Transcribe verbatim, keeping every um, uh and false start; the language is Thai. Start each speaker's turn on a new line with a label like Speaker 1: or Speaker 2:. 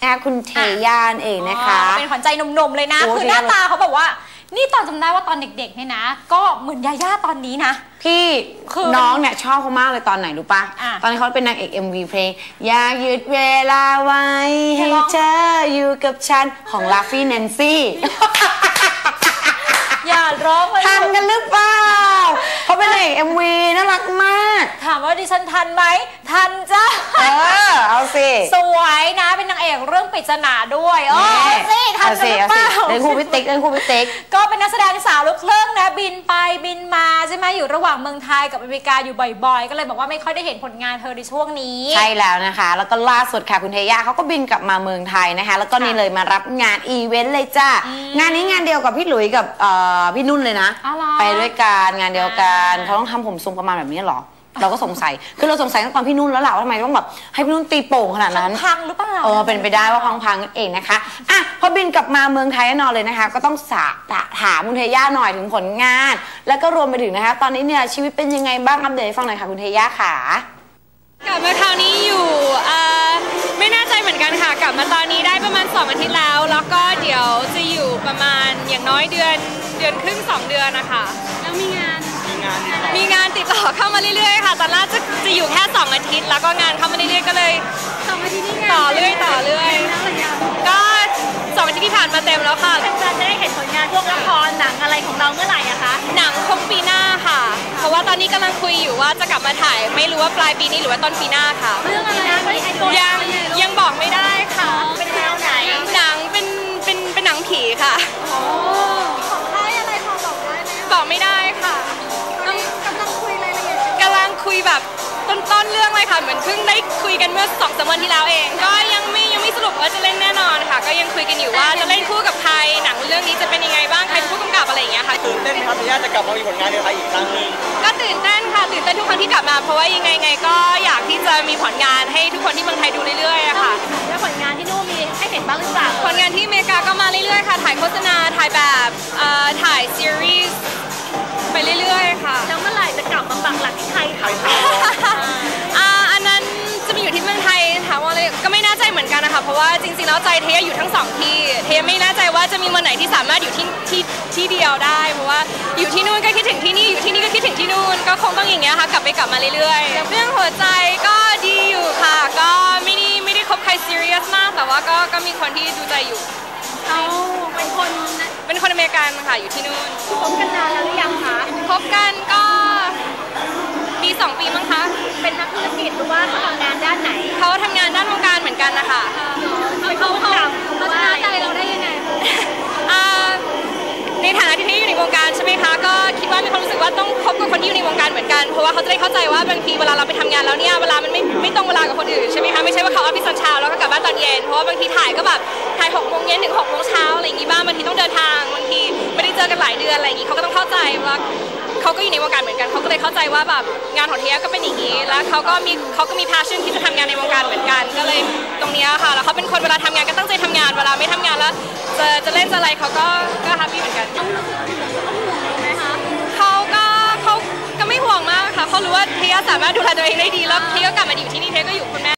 Speaker 1: คุณเทย่านเองนะคะ
Speaker 2: เป็นขวัญใจหนุ่มๆเลยนะคือหน้าตาเขาบอกว่านี่ตอนจำได้ว่าตอนเด็กๆเนี่ยนะก็เหมือนยาย่าตอนนี้นะ
Speaker 1: พี่คือน้องเนี่ยชอบเขามากเลยตอนไหนรู้ปะตอนนี้เขาเป็นนางเอก เอ็ม วี เพลงอยากหยุดเวลาไว้ให้เธออยู่กับฉันของลาฟี่แนนซี่
Speaker 2: อย่าร้องเลย
Speaker 1: ทันกันหรือเปล่าเขาเป็นนางเอก เอ็ม วี น่ารักมาก
Speaker 2: ถามว่าดิฉันทันไหมทันจ้า
Speaker 1: เออเอาสิ
Speaker 2: สวยนะเป็นนางเอกเรื่องปริศนาด้วยเออสิทันกันหรือเปล่า
Speaker 1: เล่นคู่พิติ๊กเล่นคู่พิติ๊ก
Speaker 2: ก็เป็นนักแสดงสาวลูกครึ่งนะบินไปบินมาใช่ไหมอยู่ระหว่างเมืองไทยกับอเมริกาอยู่บ่อยๆก็เลยบอกว่าไม่ค่อยได้เห็นผลงานเธอในช่วงนี้
Speaker 1: ใช่แล้วนะคะแล้วก็ล่าสุดค่ะคุณเทย่าเขาก็บินกลับมาเมืองไทยนะคะแล้วก็นี่เลยมารับงานอีเวนต์เลยจ้างานนี้งานเดียวกับพี่หลุยกับพี่นุ่นเลยนะไปด้วยกันงานเดียวกันเขาต้องทำผมทรงประมาณแบบนี้หรอเราก็สงสัยคือเราสงสัยตั้งแต่พี่นุ่นแล้วแหละว่าทำไมต้องแบบให้พี่นุ่นตีโป่งขนาดนั้น
Speaker 2: พังหรือเปล่า
Speaker 1: เออเป็นไปได้ว่าพังๆเองนะคะอ่ะพอบินกลับมาเมืองไทยแน่นอนเลยนะคะก็ต้องสาถามคุณเทย่าหน่อยถึงผลงานแล้วก็รวมไปถึงนะคะตอนนี้เนี่ยชีวิตเป็นยังไงบ้างอัปเดตให้ฟังหน่อยค่ะคุณเทย่าค่ะ
Speaker 3: กลับมาคราวนี้อยู่ไม่แน่ใจเหมือนกันค่ะกลับมาตอนนี้ได้ประมาณสองอาทิตย์แล้วแล้วก็เดี๋ยวจะอยู่ประมาณอย่างน้อยเดือนเดือนครึ่งสองเดือนนะคะ
Speaker 2: แล้วมีงาน
Speaker 3: มีงานติดต่อเข้ามาเรื่อยๆค่ะตอนแรกจะจะอยู่แค่สองอาทิตย์แล้วก็งานเข้ามาเรื่อยๆก็เลย
Speaker 2: สองอาทิตย์นี้
Speaker 3: ต่อเรื่อยต่อเรื่อยก็สองอาทิตย์ที่ผ่านมาเต็มแล้วค่ะ
Speaker 2: จะได้เห็นผลงานพวกละครหนังอะไรของเราเมื่อไหร่อะคะ
Speaker 3: หนังคงปีหน้าค่ะเพราะว่าตอนนี้กำลังคุยอยู่ว่าจะกลับมาถ่ายไม่รู้ว่าปลายปีนี้หรือว่าต้นปีหน้าค่ะ
Speaker 2: เรื่องอะไร
Speaker 3: ยังยังบอกไม่ได้ค่ะ
Speaker 2: เป็นแนวไหน
Speaker 3: หนังเป็นเป็นเป็นหนังผีค่ะ
Speaker 2: ของค่ายอะไรพอบอกได้ไหม
Speaker 3: บอกไม่ได้ค่ะ
Speaker 2: กำลังคุยรายละเอียด
Speaker 3: กำลังคุยแบบต้นๆเรื่องเลยค่ะเหมือนเพิ่งได้คุยกันเมื่อสองสามวันที่แล้วเองก็ยังไม่ยังไม่สรุปว่าจะเล่นแน่นอนค่ะก็ยังคุยกันอยู่ว่าจะเล่นคู่กับใครหนังเรื่องนี้จะเป็นยังไงบ้างใครเป็นผู้กำกับอะไรอย่างเงี้ยค่ะ
Speaker 4: ตื่นเต้นไหมครับที่จะกลับมามีผลงานในไทยอีกครั้งนึง
Speaker 3: ก็ตื่นเต้นค่ะตื่นเต้นทุกครั้งที่กลับมาเพราะว่ายังไงไงก็อยากที่จะมีผลงานให้ทุกคนที่เมืองไทยดูเรื่อยๆอะค่ะ
Speaker 2: แล้วผลงานที่นู่นมีให้เห็นบ้างหรือเปล่า
Speaker 3: ผลงานที่อเมริกาก็มาเรื่อยๆค่ะถ่ายโฆษณาถ่ายแบบถ่ายซีรีส์ไปเรื่อยๆค่ะ
Speaker 2: แล้วเมื่อไหร่จะกลับมาปักหลักที่ไทยคะ
Speaker 3: อันนั้นจะมีอยู่ที่เมืองไทยถามว่าเลยก็ไม่แน่ใจเหมือนกันนะคะเพราะว่าจริงๆแล้วใจเทยอยู่ทั้งสองที่เทยไม่แน่ใจว่าจะมีวันไหนที่สามารถอยู่ที่ที่ที่เดียวได้เพราะว่าอยู่ที่นู่นก็คิดถึงที่นี่อยู่ที่นี่ก็คิดถึงที่นู่นก็คงต้องอย่างเงี้ยค่ะกลับไปกลับมาเรื่อยๆเรื่องหัวใจก็ดีอยู่ค่ะก็ไม่ได้ไม่ได้คบใครซีเรียสมากแต่ว่าก็ก็มีคนที่ดูใจอยู่
Speaker 2: เขาเป็นคน
Speaker 3: เป็นคนอเมริกันค่ะอยู่ที่นู่น
Speaker 2: คบกันนานแล้วหรือยังคะ
Speaker 3: คบกันก็ปีสองปีมั้งคะ
Speaker 2: เป็นนักธุรกิจหรือว่าเขาทำงานด้านไหน
Speaker 3: เขาทำงานด้านวงการเหมือนกันนะคะ
Speaker 2: เขาเขาเขาเขาชนะใจเราได้ยังไง
Speaker 3: ในฐานะที่ที่อยู่ในวงการใช่ไหมคะก็คิดว่ามีความรู้สึกว่าต้องคบกับคนที่อยู่ในวงการเหมือนกันเพราะว่าเขาจะได้เข้าใจว่าบางทีเวลาเราไปทำงานแล้วเนี่ยเวลามันไม่ไม่ตรงเวลากับคนอื่นใช่ไหมคะไม่ใช่ว่าเขาออฟฟิศตอนเช้าแล้วก็กลับบ้านตอนเย็นเพราะว่าบางทีถ่ายก็แบบถ่ายหกโมงเย็นถึงหกโมงเช้าอะไรอย่างงี้บ้างบางทีต้องเดินทางบางทีไม่ได้เจอกันหลายเดือนอะไรอย่างงี้เขาก็ต้องเข้าใจว่าเขาก็อยู่ในวงการเหมือนกันเขาก็เลยเข้าใจว่าแบบงานของเทียก็เป็นอย่างนี้แล้วเขาก็มีเขาก็มี passion ที่จะทำงานในวงการเหมือนกันก็เลยตรงนี้ค่ะแล้วเขาเป็นคนเวลาทำงานก็ตั้งใจทำงานเวลาไม่ทำงานแล้วจะจะเล่นจะอะไรเขาก็ก็แฮปปี้เหมือนกันเขาก็เขาก็ไม่ห่วงมากค่ะเขารู้ว่าเทียสามารถดูแลตัวเองได้ดีแล้วเทียก็กลับมาอยู่ที่นี่เทียก็อยู่คุณแม่